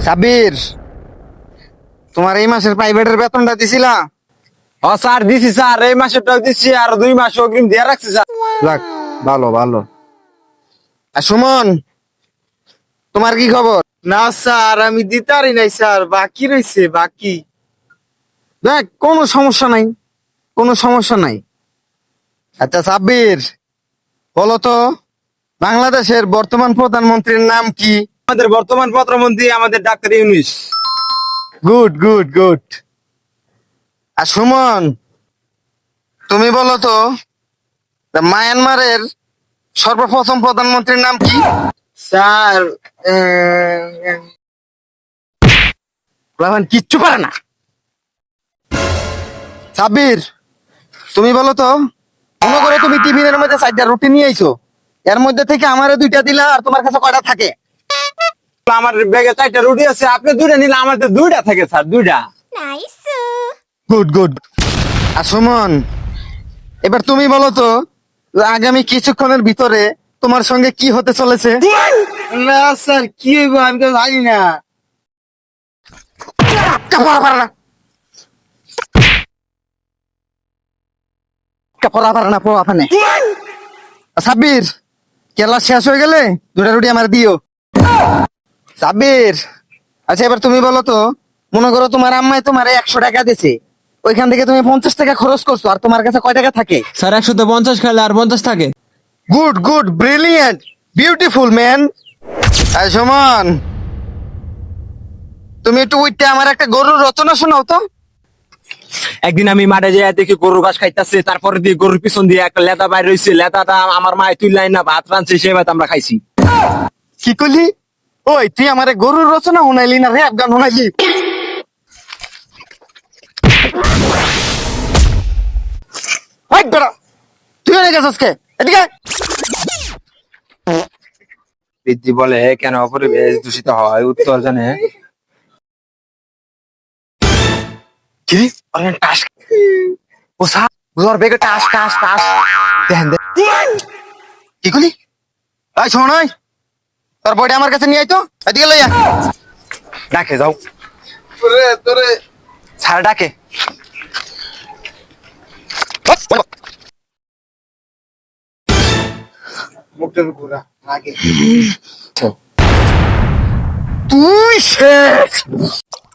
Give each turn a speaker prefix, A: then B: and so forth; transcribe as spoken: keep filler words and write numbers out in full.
A: সাব্বির, তোমার এই মাসের প্রাইভেটের বেতনটা দিছিলা?
B: ও স্যার দিছি স্যার, এই মাসেরটাও দিচ্ছি আর দুই মাস অগ্রিম দিয়ে রাখছি স্যার।
A: যাক, ভালো ভালো। আর সুমন, তোমার কি খবর?
C: না স্যার, আমি দিতারি নাই স্যার, বাকি রয়েছে বাকি।
A: দেখ, কোনো সমস্যা নাই, কোনো সমস্যা নাই। আচ্ছা সাব্বির, বলো তো বাংলাদেশের বর্তমান প্রধানমন্ত্রীর নাম কি?
B: আমাদের বর্তমান প্রধানমন্ত্রী আমাদের doctor Yunus.
A: Good good good. আর সুমন, তুমি বলো তো মায়ানমারের সর্বপ্রথম প্রধানমন্ত্রীর নাম কি?
C: স্যার আহ,
A: রহমান কিচ্ছু পারে না। সাব্বির, তুমি বলো তো, মনে করো তুমি টিফিনের মধ্যে চারটা রুটি নিয়ে আইছো, এর মধ্যে থেকে আমারে দুইটা দিলা, আর তোমার কাছে কয়টা থাকে?
B: আমার ব্যাগে চারটা রুটি আছে, আপনি দুইটা নিলে আমার তো দুইটা থাকে স্যার, দুইটা।
A: Good good. আর সুমন, এবার তুমি বলো তো আগামী কিছুক্ষণের ভিতরে তোমার সঙ্গে কি হতে চলেছে?
C: না স্যার, কি হইব আমি তো জানি না।
A: কাপড় পারে না, কাপড় পারে না, পোড়া ফানে। সাব্বির, কেলা শেষ হয়ে গেলে দুটা রুটি আমার দিও। সাব্বির, আচ্ছা এবার তুমি বলো তো, মনে করো তোমার আম্মাই তোমার একশো টাকা দিছে, ওইখান থেকে তুমি পঞ্চাশ টাকা খরচ করছো, আর তোমার কাছে কয় টাকা থাকে?
D: স্যার একশোতে পঞ্চাশ খেলে আর পঞ্চাশ থাকে।
A: Good good, brilliant, beautiful man. আই সুমন, তুমি একটু উইটে আমার একটা গরুর রচনা শোনাও তো।
B: একদিন আমি মাঠে যাই দেখি গরু ঘাস খাইতেছে, তারপরে দিয়ে গরুর পিছন দিয়ে একটা লেদা বাইর রয়েছে, লেদাটা আমার মায়ে তুললাই না ভাত রাঁধছে, সে ভাত আমরা খাইছি।
A: কি করলি? ওই তুই আমার গরুর রচনা শোনাইলি না র্যাপ গান শোনাইলি? ওই বেটা, তুই এনে গেছিস কে? এদিকে আয়।
B: বৃদ্ধি বলে কেন পরিবেশ দূষিত হয়, উত্তর জানে। কি আরে টাস, ও স্যার ওর বেগে টাস টাস টাস দেন দেন।
A: কি করলি? এই শোন, ওই তোর বইটা আমার কাছে নিয়ে আয় তো, এদিকে লইয়া।
B: ডাকে যাও
C: তোরে তোরে
B: স্যার, ডাকে।
C: মুখের ঘোরা আগে।
A: তুই শেষ।